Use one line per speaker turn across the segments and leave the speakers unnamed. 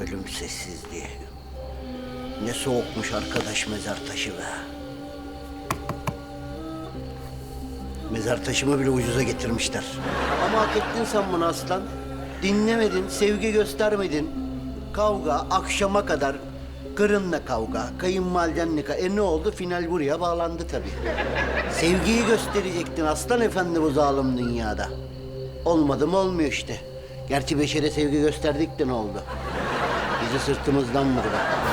ölüm sessizliği. Ne soğukmuş arkadaş mezar taşı be. Mezar taşımı bile ucuza getirmişler. Ama hak ettin sen bunu aslan. Dinlemedin, sevgi göstermedin. Kavga akşama kadar. Karınla kavga, kayınvalidenle kavga. Ne oldu? Final buraya bağlandı tabii. Sevgiyi gösterecektin aslan efendi bu zalim dünyada. Olmadı mı olmuyor işte. Gerçi beşere sevgi gösterdik de ne oldu? Bizi sırtımızdan vurdu.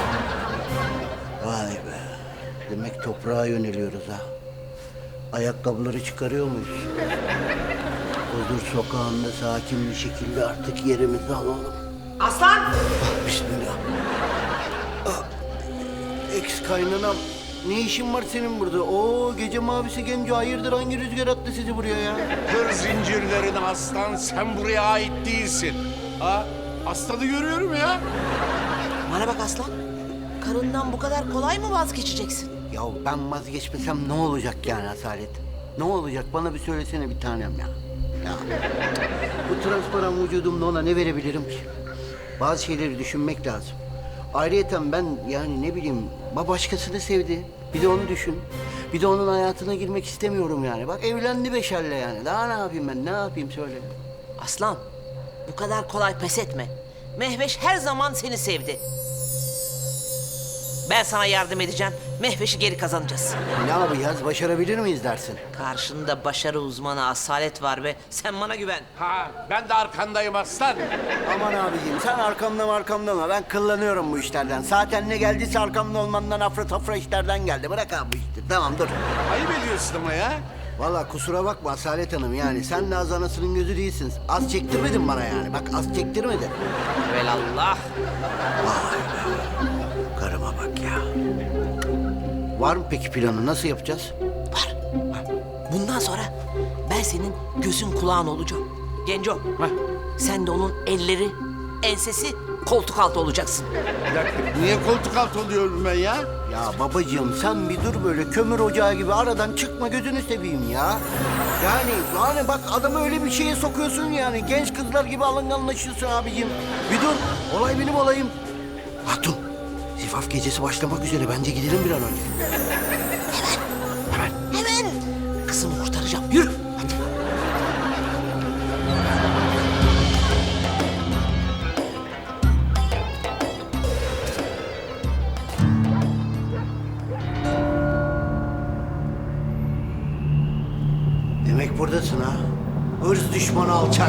Vay be. Demek toprağa yöneliyoruz ha. Ayakkabıları çıkarıyor muyuz? Huzur sokağında sakin bir şekilde artık yerimizi alalım.
Aslan!
Ah, bismillah. Ah, ex kaynanam. Ne işin var senin burada? Oo gece mavisi Genco. Hayırdır hangi rüzgar attı sizi buraya ya?
Kır zincirlerini aslan, sen buraya ait değilsin. Ha? Aslanı görüyorum ya.
Bana bak Aslan. Karından bu kadar kolay mı vazgeçeceksin?
Ya ben vazgeçmesem ne olacak yani Asalet? Ne olacak? Bana bir söylesene bir tanem ya. Ya. Bu transparan vücudumda ona ne verebilirim ki? Bazı şeyleri düşünmek lazım. Ayrıyeten ben yani ne bileyim başkasını sevdi. Bir de onu düşün. Bir de onun hayatına girmek istemiyorum yani. Bak evlendi Beşer'le yani. Daha ne yapayım ben? Ne yapayım söyle.
Aslan, bu kadar kolay pes etme. Mehveş her zaman seni sevdi. Ben sana yardım edeceğim. Mehveş'i geri kazanacağız.
Ne yapacağız? Başarabilir miyiz dersin?
Karşında başarı uzmanı Asalet var ve sen bana güven.
Ha, ben de arkandayım aslan.
Aman abiciğim sen arkamda mı? Ben kıllanıyorum bu işlerden. Zaten ne geldiyse arkamda olmandan afra tafra işlerden geldi. Bırak abi bu işleri. Tamam dur.
Ayıp ediyorsun ama ya.
Vallahi kusura bakma Asalet Hanım yani sen de az anasının gözü değilsin. Az çektirmedin bana yani. Bak az çektirmedin.
Evelallah.
Vay be. Karıma bak ya. Var mı peki planı? Nasıl yapacağız?
Var. Bundan sonra ben senin gözün kulağın olacağım. Genco, sen de onun elleri, ensesi, koltuk altı olacaksın.
Bir dakika, niye koltuk altı oluyorum ben ya?
Ya babacığım sen bir dur böyle kömür ocağı gibi aradan çıkma gözünü seveyim ya. Yani bak adamı öyle bir şeye sokuyorsun yani. Genç kızlar gibi alınganlaşıyorsun abicim. Bir dur olay benim olayım. Hatun zifaf gecesi başlamak üzere bence gidelim bir an önce.
Hemen kızımı kurtaracağım. Yürü. Hadi.
Demek buradasın ha. Hırs düşmanı alçak.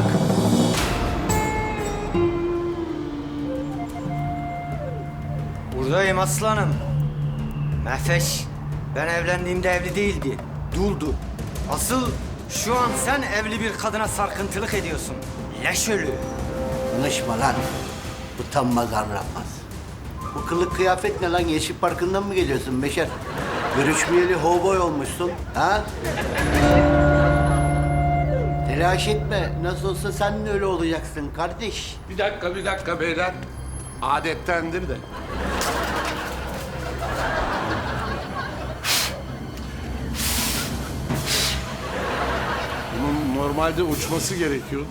Buradayım aslanım. Mehveş, ben evlendiğimde evli değildi, duldu. Asıl şu an sen evli bir kadına sarkıntılık ediyorsun. Leş ölü.
Konuşma lan. Utanmaz arlanmaz. Bu kılık kıyafet ne lan? Yeşil Parkı'ndan mı geliyorsun Beşer? Görüşmeyeli hovboy olmuşsun. Ha? Telaş etme. Nasıl olsa sen de öyle olacaksın kardeş.
Bir dakika beyler. Adettendir de. Bunun normalde uçması gerekiyor.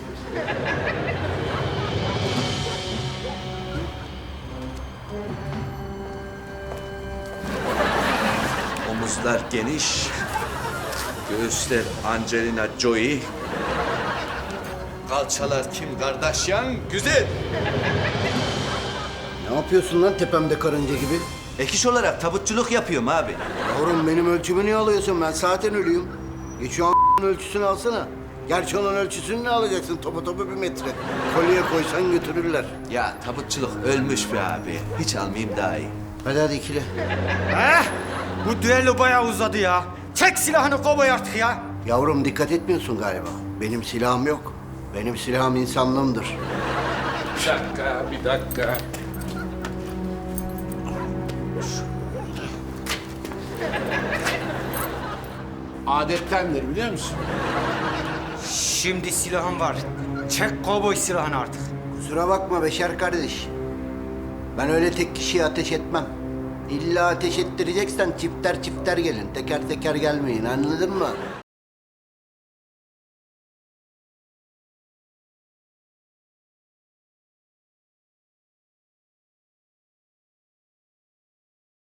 Omuzlar geniş, göğüsler Angelina Jolie, kalçalar Kim Kardashian, güzel.
Ne yapıyorsun lan tepemde karınca gibi?
Ek iş olarak tabutçuluk yapıyorum abi.
Yavrum benim ölçümü niye alıyorsun? Ben zaten ölüyüm. Git şu ölçüsünü alsana. Gerçi onun ölçüsünü ne alacaksın? Topu 1 metre. Kolye koysan götürürler.
Ya tabutçuluk ölmüş be abi. Hiç almayayım daha iyi.
Hadi ikili.
Bu düello bayağı uzadı ya. Çek silahını kovboy artık ya.
Yavrum dikkat etmiyorsun galiba. Benim silahım yok. Benim silahım insanlığımdır.
Bir dakika. Adettendir biliyor musun?
Şimdi silahım var. Çek kovboy silahını artık.
Kusura bakma Beşer kardeş. Ben öyle tek kişiye ateş etmem. İlla ateş ettireceksen çifter çifter gelin. Teker teker gelmeyin anladın mı?